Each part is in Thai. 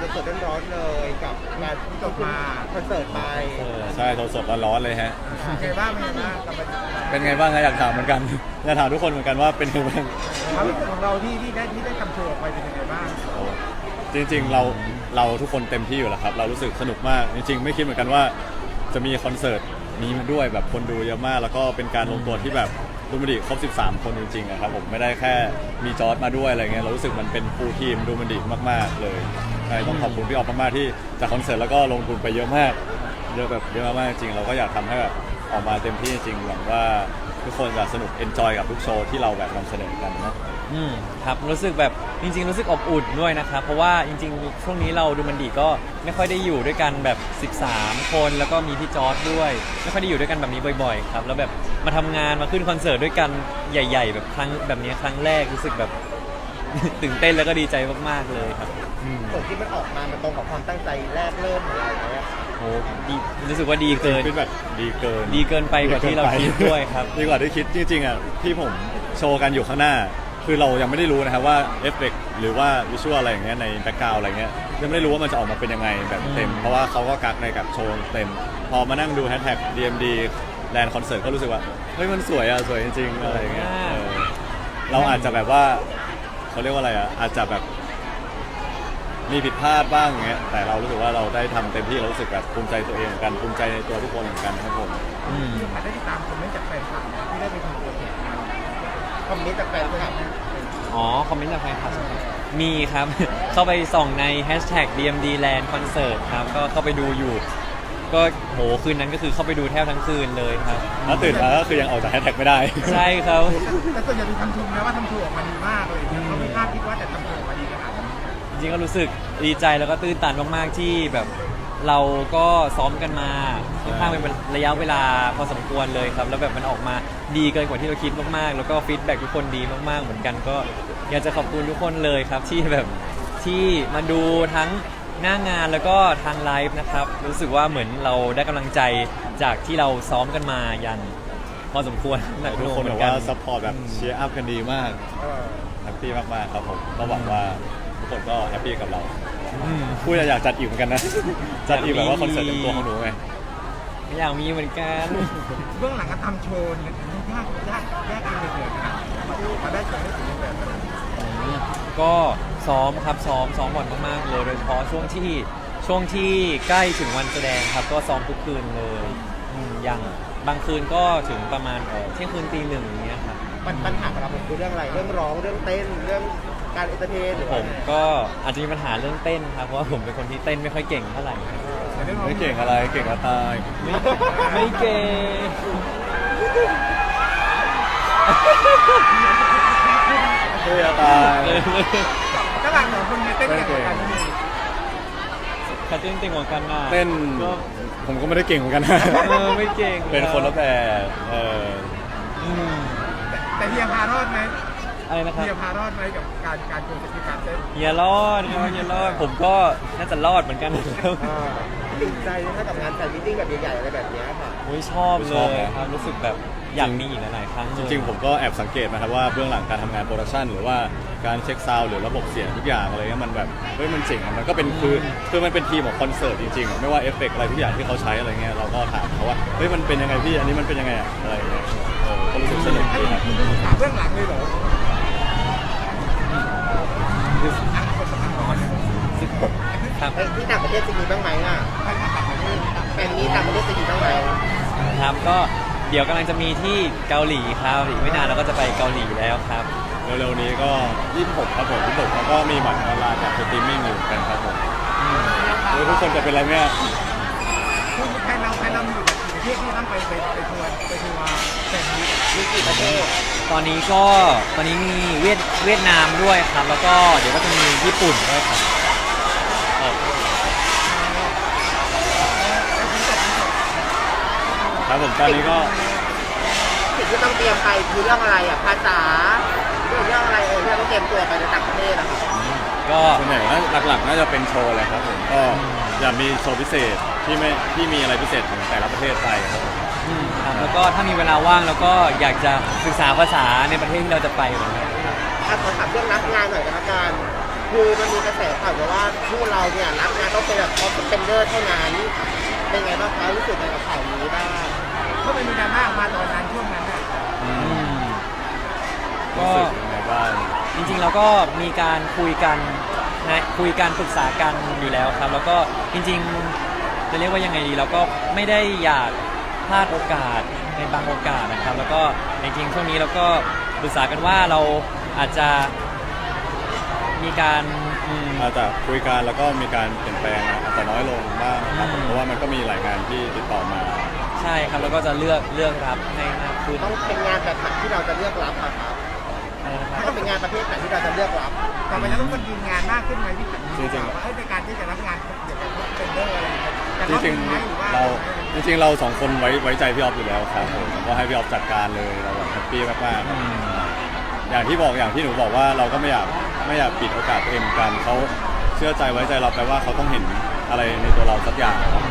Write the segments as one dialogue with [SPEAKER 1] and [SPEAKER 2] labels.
[SPEAKER 1] สดๆร้อนๆเลยกับงานที่จบมาคอนเสิร์ตไป
[SPEAKER 2] ใช่สดๆร้อนๆเลยฮะ
[SPEAKER 1] ไงบ้างเป็นไงบ้างกับบรรยากาศ
[SPEAKER 2] เป็นไงบ้างนะอยากถามเหมือนกัน อยากถามทุกคนเหมือนกันว่าเป็นไงบ้าง
[SPEAKER 1] ความรู้สึกของเราที่ได้ทำโชว์ออกไปเป็นยังไงบ้าง
[SPEAKER 2] โอ้จริงๆเราทุกคนเต็มที่อยู่แล้วครับเรารู้สึกสนุกมากจริงๆไม่คิดเหมือนกันว่าจะมีคอนเสิร์ตนี้มาด้วยแบบคนดูเยอะมาก แล้วก็เป็นการลงตัวที่แบบดูมันดีครบ13 คนจริงๆนะครับผมไม่ได้แค่มีจอร์ดมาด้วยอะไรเงี้ยเรารู้สึกมันเป็นฟูลทีมดูมันดีมากๆเลยใช่ต้องขอบคุณพี่ออฟมากๆที่จากคอนเสิร์ตแล้วก็ลงทุนไปเยอะมากเยอะแบบเยอะมากๆจริงเราก็อยากทำให้แบบออกมาเต็มที่จริงหวังว่าทุกคนจะสนุกเอนจอยกับทุกโชว์ที่เราแบบนำเสนอกันนะ
[SPEAKER 3] ครับรู้สึกแบบจริงๆรู้สึกอบอุ่นด้วยนะครับเพราะว่าจริงๆช่วงนี้เราดูมันดีก็ไม่ค่อยได้อยู่ด้วยกันแบบ13 คนแล้วก็มีพี่จอร์ดด้วยไม่ค่อยได้อยู่ด้วยกันแบบนี้บ่อยๆครับแล้วแบบมาทำงานมาขึ้นคอนเสิร์ตด้วยกันใหญ่ๆแบบครั้งแบบนี้ครั้งแรกรู้สึกแบบ ตื่นเต้นแล้วก็ดีใจมากๆเลยครับ
[SPEAKER 1] ผลที่มันออกมามันตรงกับความตั้งใจแรกเริ่มของเราไหมอะ
[SPEAKER 3] โอ้ดีรู้สึกว่าดีเกิน
[SPEAKER 2] ฟีดแบ็กดีเกิน
[SPEAKER 3] ดีเกินไปกว่าที่เราคิดด้วยครับ
[SPEAKER 2] ดีกว่าที่คิดจริงๆอ่ะที่ผมโชว์กันอยู่ข้างหน้า คือเรายังไม่ได้รู้นะครับว่าเอฟเฟกต์หรือว่าวิชวลอะไรอย่างเงี้ยในแบ็กกราวด์อะไรเงี้ยยังไม่ได้รู้ว่ามันจะออกมาเป็นยังไงแบบเต็มเพราะว่าเขาก็กักในกับโชว์เต็ม พอมานั่งดูแฮชแท็ก DMD แลนด์คอนเสิร์ตก็รู้สึกว่าเฮ้ยมันสวยอ่ะสวยจริงๆอะไรอย่างเงี้ยเราอาจจะแบบว่าเขาเรียกว่าอะไรอ่ะอาจจะแบบมีผิดพลาดบ้างอย่างเงี้ยแต่เรารู้สึกว่าเราได้ทำเต็มที่เรารู้สึกแบบภูมิใจตัวเองเหมือนกันภูมิใจในตัวทุกคนเหมือนกันนะครับผม
[SPEAKER 1] อาจได้ติดตามคอมเมนต์จากแฟนคลับที่ได้ไปทำโปรเจกต์มาคอมเมนต์จากแฟนคลับ
[SPEAKER 3] อ๋อคอมเมนต์จากแฟนคลับมีครับ เข้าไปส่องใน hashtag DMD Land Concert ครับก็เข้าไปดูอยู่ ก็โหคืนนั้นก็คือเข้าไปดูแทบทั้งคืนเลยครับ
[SPEAKER 2] แล้วตื่นมาก็คือยังออกจากแฮชแท็กไม่ได้
[SPEAKER 3] ใช่ครับ
[SPEAKER 1] แต่ส่วนใหญ่มีคำชมนะว่าทำโชว์ออกมาดีมากเลยเขาไม่คาดคิดว่าจะทำโชว์ออกมาดีขนาดนี้
[SPEAKER 3] จริงๆก็รู้สึกดีใจแล้วก็ตื้นตันมากๆที่แบบเราก็ซ้อมกันมาค่อนข้างเป็นระยะเวลาพอสมควรเลยครับแล้วแบบมันออกมาดีเกินกว่าที่เราคิดมากๆแล้วก็ฟีดแบ็กทุกคนดีมากๆเหมือนกันก็อยากจะขอบคุณทุกคนเลยครับที่แบบที่มาดูทั้งหน้างานแล้วก็ทางไลฟ์นะครับรู้สึกว่าเหมือนเราได้กำลังใจจากที่เราซ้อมกันมาอย่างพอสมควรหนักห
[SPEAKER 2] ทุก
[SPEAKER 3] น่วง
[SPEAKER 2] คน
[SPEAKER 3] เหมื
[SPEAKER 2] บ
[SPEAKER 3] อ
[SPEAKER 2] อก
[SPEAKER 3] นกั
[SPEAKER 2] ว่าน ซัพพอร์ตแบบเชียร์อัพกันดีมาก
[SPEAKER 1] เออ
[SPEAKER 2] แฮปปี้มากๆครับผมก็หวังว่าทุกคนก็แฮปปี้กับเรา
[SPEAKER 3] อืม
[SPEAKER 2] พูดอยากจัดอีกเหมือนกันนะ จัดอีกแบบว่าคอนเสิร์ตเต็มตัวของหนูไง
[SPEAKER 3] อยากมีเหมือนกัน
[SPEAKER 1] เบื้องหลังการทำโชว์เนี่ยยากเองเลยนะมาได้โชว์ได้ถึงแบบนั้น
[SPEAKER 3] ก็ซ้อมครับซ้อมบ่อยมากๆเลยโดยเฉพาะช่วงที่ใกล้ถึงวันแสดงครับก็ซ้อมทุกคืนเลยอย่างบางคืนก็ถึงประมาณเที่ยงคืนตีหนึ่งอย่างเงี้ยครับ
[SPEAKER 1] ปัญหาของเราคือเรื่องอะไรเรื่องร้องเรื่องเต้นเรื่องการเอนเตอร์เทนหรือ
[SPEAKER 3] ผมก็อาจจะมีปัญหาเรื่องเต้นครับเพราะว่าผมเป็นคนที่เต้นไม่ค่อยเก่งเท่าไหร่ครับ
[SPEAKER 2] ไม่เก่งอะไรเก่งก็ตาย
[SPEAKER 3] ไม่เก่ง
[SPEAKER 2] เท่ตาย
[SPEAKER 1] ก็หลังสองคนเนี่ยเต้นเก่งกว่ากันนี่
[SPEAKER 3] ใครเต้นเก่งกว่ากันน่ะ
[SPEAKER 2] เต้น
[SPEAKER 3] ก็
[SPEAKER 2] ผมก็ไม่ได้เก่งเหมือนกันนะ
[SPEAKER 3] ไม่เก่ง
[SPEAKER 2] เป็นคนละแบบ
[SPEAKER 3] อืม
[SPEAKER 1] แต่เฮียพารอดไหม
[SPEAKER 3] อะไรนะครับ
[SPEAKER 1] เฮียพารอดไหมกับการโชว์สกิลการเต้น
[SPEAKER 3] เฮียรอดครับเฮียรอดผมก็น่าจะรอดเหมือนกันครับ
[SPEAKER 1] ติดใจนะกับงานแฟนมิทติ้งแบบใหญ่ๆอะไรแบบนี้ค่ะ
[SPEAKER 3] โอ้ยชอบเลยครับรู้สึกแบบอยากมีอีกหลายๆครั้งเลย
[SPEAKER 2] จริงๆผมก็แอบสังเกตนะครับว่าเบื้องหลังการทำงานโปรดักชันหรือว่าการเช็คซาวด์หรือระบบเสียงทุกอย่างอะไรเงี้ยมันแบบเฮ้ยมันเจ๋งอะมันก็เป็นคือมันเป็นทีมของคอนเสิร์ตจริงๆอะไม่ว่าเอฟเฟกต์อะไรทุกอย่างที่เขาใช้อะไรเงี้ยเราก็ถามเขาว่าเฮ้ยมันเป็นยังไงพี่อันนี้มันเป็นยังไงอะอะไรเงี้ยก็รู้สึกสนุก
[SPEAKER 1] ให้
[SPEAKER 2] ดีครับ
[SPEAKER 1] คุณดูถามเรื่องหลังเลยเหรอ
[SPEAKER 3] ครับ
[SPEAKER 1] ที่ต่างประเทศจะมีบ้างไหมอ่ะแฟนมีต่างประเทศจะมีบ้างไหม
[SPEAKER 3] ครับก็เดี๋ยวกำลังจะมีที่เกาหลีครับอีกไม่นานเราก็จะไปเกาหลีแล้วครับ
[SPEAKER 2] เร็วๆนี้ก็26ครับผม26แล้วก็มีบัตรออนไลน์จากสตรีมมิ่งอยู่กันครับผมทุกคนจะเป็นอะไรเนี่ย
[SPEAKER 1] คุณใครเรามีอยู่ประเทศที่ต้องไปทัวร์แฟนมีมีกี่ประเทศ
[SPEAKER 3] ตอนนี้มีเวียดนามด้วยครับ แล้วก็เดี๋ยวก็จะมีญี่ปุ่นด้วยครับ
[SPEAKER 2] ครับผมตอนนี้ก็
[SPEAKER 1] สิ่งที่ต้องเตรียมไปคือเรื่องอะไรอ่ะภาษาเรื่องอะไรที่เราต้องเตรียมตัวไปในต่างประเทศอะค่ะ
[SPEAKER 3] ก็
[SPEAKER 2] ส่วนใหญ่หลักๆน่าจะเป็นโชว์เลยครับผมก็อยากมีโชว์พิเศษที่มีอะไรพิเศษของแต่ละประเทศไปครับผม
[SPEAKER 3] ครับแล้วก็ถ้ามีเวลาว่างแล้วก็อยากจะศึกษาภาษาในประเทศที่เราจะไปเหมือนกัน
[SPEAKER 1] ขอถามเรื่องรับงานหน่อยกันละกันคือมันมีกระแสข่าวว่าคู่เราเนี่ยรับต้องเป็นแบบท็อปสเปนเดอร์เท่านั้นเป็นไงบ้างคะรู้สึกไงกับข่าวนี้บ้างก็เป็นมีดราม่ามาตอนนั้นช่วงนั้น
[SPEAKER 3] อืม
[SPEAKER 2] รู้สึกยังไงบ้าง
[SPEAKER 3] จริงๆเราก็มีการคุยกันนะคุยกันปรึกษากันอยู่แล้วครับ แล้วก็จริงๆจะเรียกว่ายังไงดีเราก็ไม่ได้อยากพลาดโอกาสในบางโอกาสนะครับ แล้วก็จริงๆช่วงนี้เราก็ปรึกษากันว่าเราอาจจะมีการ
[SPEAKER 2] อาจจะคุยกันแล้วก็มีการเปลี่ยนแปลงอาจจะน้อยลงบ้างครับเพราะว่ามันก็มีหลายงานที่ติดต่อมา
[SPEAKER 3] ใช่ครับแล้วก็จะเลือกรับให้มากขึ้น
[SPEAKER 1] ต้องเป็นงานแบบไหนที่เราจะเลือกรับอะครับ
[SPEAKER 3] อะไรนะครับ
[SPEAKER 1] ต้องเป็นงานประเภทไหนที่เราจะเลือกรับต่อไปแล้วต้องคนยืนงานมากขึ้นไหมพี่
[SPEAKER 2] จริงๆ
[SPEAKER 1] ว่าในการที่จะรับงานเกี่ยวกับเทรนเดอร์อะไรจะ
[SPEAKER 2] จ
[SPEAKER 1] รับ
[SPEAKER 2] ริง
[SPEAKER 1] ไหมหรือว่า
[SPEAKER 2] ๆเราสองคนไว้ใจพี่ออฟอยู่แล้วครับผมก็ให้พี่ออฟจัดการเลยเราแบบแฮปปี้มากๆครับอย่างที่หนูบอกว่าเราก็ไม่อยากปิดโอกาสตัวเองเหมือนกันเขาเชื่อใจไว้ใจเราไปว่าเขาต้องเห็นอะไรในตัวเราสักอย่างครับ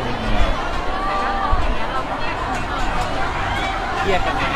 [SPEAKER 3] เครียดกันไหม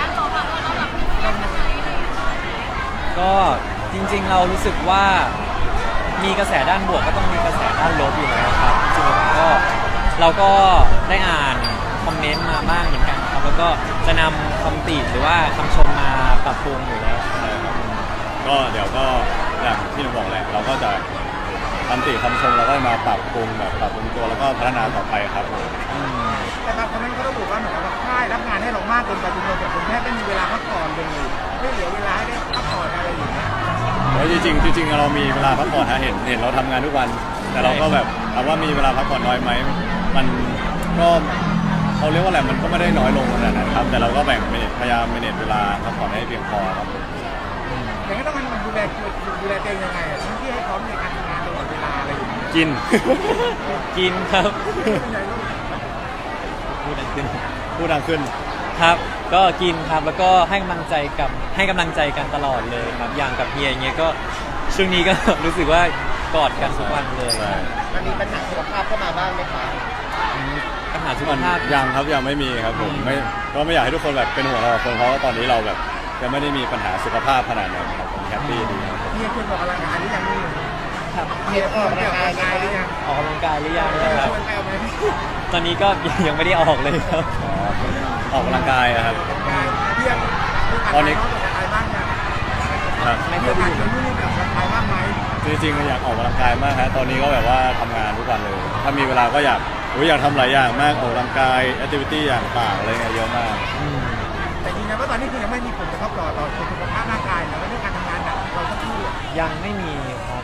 [SPEAKER 3] ก็จริงๆเรารู้สึกว่ามีกระแสด้านบวกก็ต้องมีกระแสด้านลบอยู่แล้วครับจริงๆก็เราก็ได้อ่านคอมเมนต์มาบ้างเหมือนกันครับแล้วก็จะนำคำติหรือว่าคำชมมาปรับปรุงอยู่แล้ว
[SPEAKER 2] ใช่ครับก็เดี๋ยวก็อย่างที่หนูบอกแหละเราก็จะคำติคำชมเราก็มาปรับปรุงตัวแล้วก็พัฒนาต่อไปครับผม
[SPEAKER 1] แต่บางคนนั้นก็ระบุว่าเหมือนกับค่ายรับงานให้เรามากเกินไปจนเราแบบแทบไม่มีเวลาพักผ่อนเลยไม่เหลือเวลาให้ได้พักผ่อนอะไรอย่างเงี้ย
[SPEAKER 2] เพราะจริงๆเรามีเวลาพักผ่อนฮะเห็นเราทำงานทุกวัน แต่เราก็แบบถามว่ามีเวลาพักผ่อนน้อยไหมมันก็เขาเรียกว่าอะไรมันก็ไม่ได้น้อยลงขนาดนั้นครับแต่เราก็พยายามเมเนจเวลาพักผ่อนให้เพียงพอครับผม
[SPEAKER 1] อย่างนี้ต้องมันดูแลตัวเองยังไงทั้งที่ให้พร้อมในการทำงานตลอดเวลาอะไรอย่างเงี้ย
[SPEAKER 2] กิน
[SPEAKER 3] กินครับ
[SPEAKER 1] เป็นไงลูก
[SPEAKER 3] พูดดังขึ้น
[SPEAKER 2] พูดดังขึ้น
[SPEAKER 3] ครับก็กินครับแล้วก็ให้กำลังใจกันตลอดเลยครับอย่างกับเฮียอย่างเงี้ยก็ช่วงนี้ก็ รู้สึกว่ากอดกันทุกวันเลย
[SPEAKER 2] ใช่
[SPEAKER 1] มันมีปัญหาสุขภาพเข้ามาบ้างไหมคะ
[SPEAKER 3] ปัญหาสุข
[SPEAKER 2] มัน
[SPEAKER 3] ภาพ
[SPEAKER 2] ยังไม่มีครับผมไม่อยากให้ทุกคนแบบเป็นห่วงเราคนเพราะว่าตอนนี้เราแบบยังไม่ได้มีปัญหาสุขภาพขนาดนั้นครับผมแฮปปี้ดีครับผม
[SPEAKER 1] เฮียควรออกกำลังกายหรือยังนี่
[SPEAKER 3] ครับ
[SPEAKER 1] เฮียออกกำลังกายหรือยัง
[SPEAKER 3] ออกกำลังกายหรือยังนะครับ
[SPEAKER 1] ควรไปเอาไหม
[SPEAKER 3] ตอนนี้ก็ ยังไม่ได้ออกเลยครับ
[SPEAKER 2] ออกกำลังกายอะครับ
[SPEAKER 1] เฮีย
[SPEAKER 2] ตอนนี้
[SPEAKER 1] ออกกำลังกายบ้างยัง
[SPEAKER 2] ครับ
[SPEAKER 3] ไม่
[SPEAKER 1] เฮี
[SPEAKER 3] ค่
[SPEAKER 1] ย
[SPEAKER 3] อย
[SPEAKER 1] ผ่า
[SPEAKER 3] ดี
[SPEAKER 1] นคนนู้นแบบกำลังกายบ้างไหม
[SPEAKER 2] จริงๆอยากออกกำลังกายมากฮะตอนนี้ก็แบบว่าทำงานทุกวันเลย ถ้ามีเวลาก็อยากทำหลายอย่างมากออกกำลังกายแอคทิวิตี้อย่างต่างอะไรเงี้ยเยอะมาก
[SPEAKER 3] อืม
[SPEAKER 1] แต่จริงนะว่าตอนนี้คือยังไม่มีผลกระทบต่อสุขภาพร่างกายนะว่าด้วยการทำงานหนักเราต้องพูด
[SPEAKER 3] ยังไม่มีครับ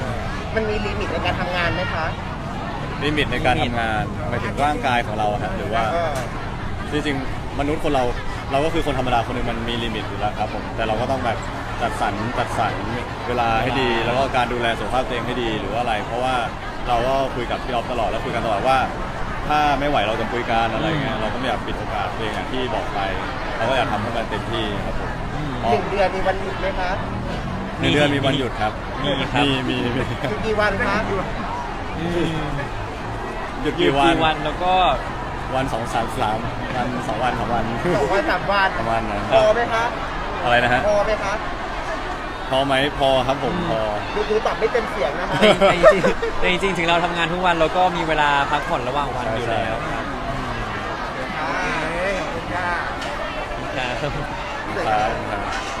[SPEAKER 1] มันมีลิมิตในการทำงานไหมคะ
[SPEAKER 2] ลิมิตในการทำงานหมายถึงร่างกายของเราฮะหรือว่าจริงๆมนุษย์คนเราก็คือคนธรรมดาคนหนึงมันมีลิมิตอยู่แล้วครับผมแต่เราก็ต้องแบบจัดสรรเวลาให้ดี แล้วก็การดูแลสุขภาพตัวเองให้ดีหรือว่าอะไร เพราะว่าเราก็คุยกับพี่ออฟตลอดแล้วคุยกันตลอดว่า ถ้าไม่ไหวเราจะคุยกันอะไรเงี้ยเราก็ไม่อยากปิดโอกาสตัวเองอย่างที่บอกไปเราก็อยากทำให้มันเต็มที่ครับผม
[SPEAKER 1] หนึ่งเดือนมีวันหยุดไหมคะ
[SPEAKER 2] หนึ่งเดือนมีวันหยุดครับ
[SPEAKER 3] มีครับ
[SPEAKER 2] มี
[SPEAKER 1] หยุดกี่วันคะ
[SPEAKER 3] อืม
[SPEAKER 2] หยุด
[SPEAKER 3] หยุด
[SPEAKER 2] กี่วัน
[SPEAKER 3] กี่วันแล้วก็
[SPEAKER 2] วัน2 3 3วัน2 วัน3 วัน
[SPEAKER 1] 2 วัน 3 วัน
[SPEAKER 2] ประมาณนั้น
[SPEAKER 1] พอไหมคะ
[SPEAKER 2] อะไรนะฮะ
[SPEAKER 1] พอไหมคะ
[SPEAKER 2] พอไหมพอครับผมพอ
[SPEAKER 1] ดูตอบไม่เต็มเสียงนะคะ
[SPEAKER 3] แต่จริงๆถึงเราทำงานทุกวันเราก็มีเวลาพักผ่อนระหว่างวันอยู่แล้วครับ
[SPEAKER 1] ขอบคุณค่ะ
[SPEAKER 3] ครับ
[SPEAKER 2] ครับ